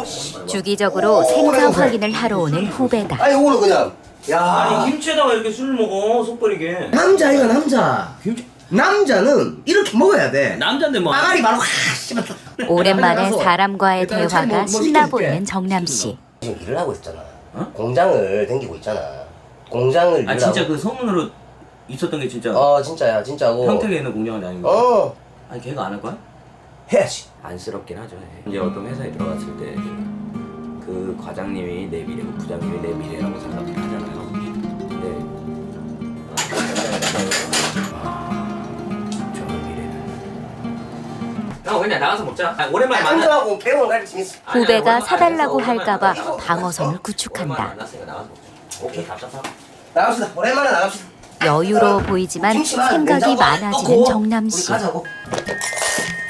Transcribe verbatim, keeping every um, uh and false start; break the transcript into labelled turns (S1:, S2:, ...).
S1: 오, 씨.
S2: 주기적으로 생사 확인을 하러 오는 후배다.
S1: 아니 오늘 그냥 야
S3: 아니 김치에다가 이렇게 술 먹어 속버리게.
S1: 남자이가 남자.
S3: 김치
S1: 남자는 이렇게 먹어야 돼.
S3: 남잔데 뭐.
S1: 빠가리 바로 확 씨발.
S2: 오랜만에
S1: 가서
S2: 사람과의
S1: 일단 차에 뭐-
S2: 대화가
S1: 뭐
S2: 신나
S1: 시켜줄게.
S2: 보이는 정남 씨.
S1: 지금 일을 하고 있었잖아.
S3: 어?
S1: 공장을 댕기고 있잖아. 공장을
S3: 아
S1: 일을
S3: 진짜
S1: 하고.
S3: 그 소문으로 있었던 게 진짜
S1: 어 진짜야 진짜고.
S3: 평택에 있는 공장은 아닌 거.
S1: 어
S3: 아니 걔가 안 할 거야?
S1: 해야지.
S3: 안쓰럽긴 하죠. 이제 어떤 회사에 들어갔을 때 그 과장님이 내 미래고 부장님이 내 미래라고 생각을 하잖아요. 근데 어, 저는 미래는 형 그냥 나가서 먹자. 아, 오랜만에 만나.
S1: 남자하고 배우는 갈 재밌어.
S2: 후배가 사달라고 할까봐 방어선을 구축한다.
S3: 만났으니까 나가서 먹자. 오케이 답답하고.
S1: 나갑시다. 오랜만에 나갑시다.
S2: 여유로워 보이지만
S1: 김치만
S2: 생각이
S1: 냉장고 안에
S2: 많아지는
S1: 넣고
S2: 정남
S1: 우리
S2: 씨.
S1: 가자고.